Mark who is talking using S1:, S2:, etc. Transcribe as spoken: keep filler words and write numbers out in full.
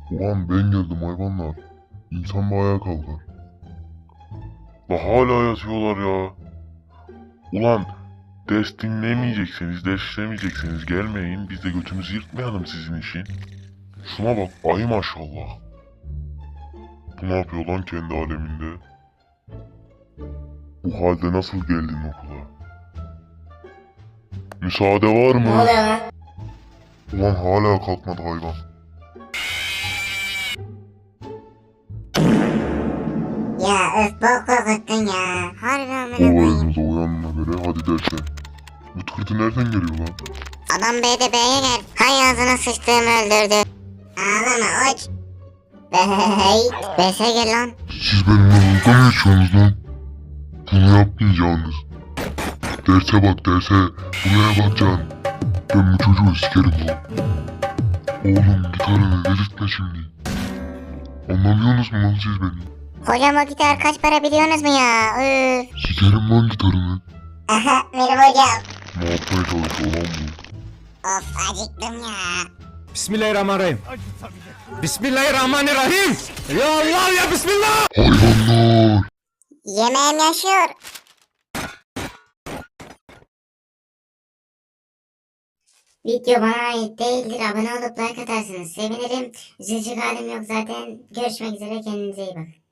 S1: Ulan ben geldim hayvanlar. İnsan bir ayağa kalkar. La hala yatıyorlar ya. Ulan ders dinlemeyecekseniz, ders işlemeyecekseniz gelmeyin. Biz de götümüzü yırtmayalım sizin için. Şuna bak, ay maşallah. Bu ne yapıyor lan kendi aleminde? Bu halde nasıl geldin okula? Müsaade var
S2: Ne
S1: mı?
S2: oluyor lan?
S1: Ulan hala kalkmadı hayvan.
S2: Ya öf bok korkuttun ya. Harbi amına koyayım.
S1: Olayımıza uyanına göre hadi derse. Bu tıkırtı nereden geliyor lan?
S2: Adam B'de B'ye gel. Hay ağzına sıçtığımı öldürdü. Ağlama uç. Bey. B'se gel lan.
S1: Siz benimle dalga mı geçiyorsunuz lan? Bunu yapmayacaksınız. Derse bak derse. Buraya bakacaksın. Ben bu çocuğu sikerim lan. Oğlum gitarını delirtme şimdi. Anlamıyorsunuz mu lan siz beni?
S2: Hocam o gitar kaç para biliyorsunuz mu ya? Üf.
S1: Sikerim lan gitarını.
S2: Aha benim hocam.
S1: Ne yapmaya çalışıyor lan bu?
S2: Of acıktım ya.
S3: Bismillahirrahmanirrahim. Bismillahirrahmanirrahim. Ya Allah ya Bismillah.
S1: Hayvanlar!
S2: Yemeğim yaşıyor. Video bana ait değildir. Abone olup like atarsınız. Sevinirim. Üzülecek halim yok zaten. Görüşmek üzere. Kendinize iyi bakın.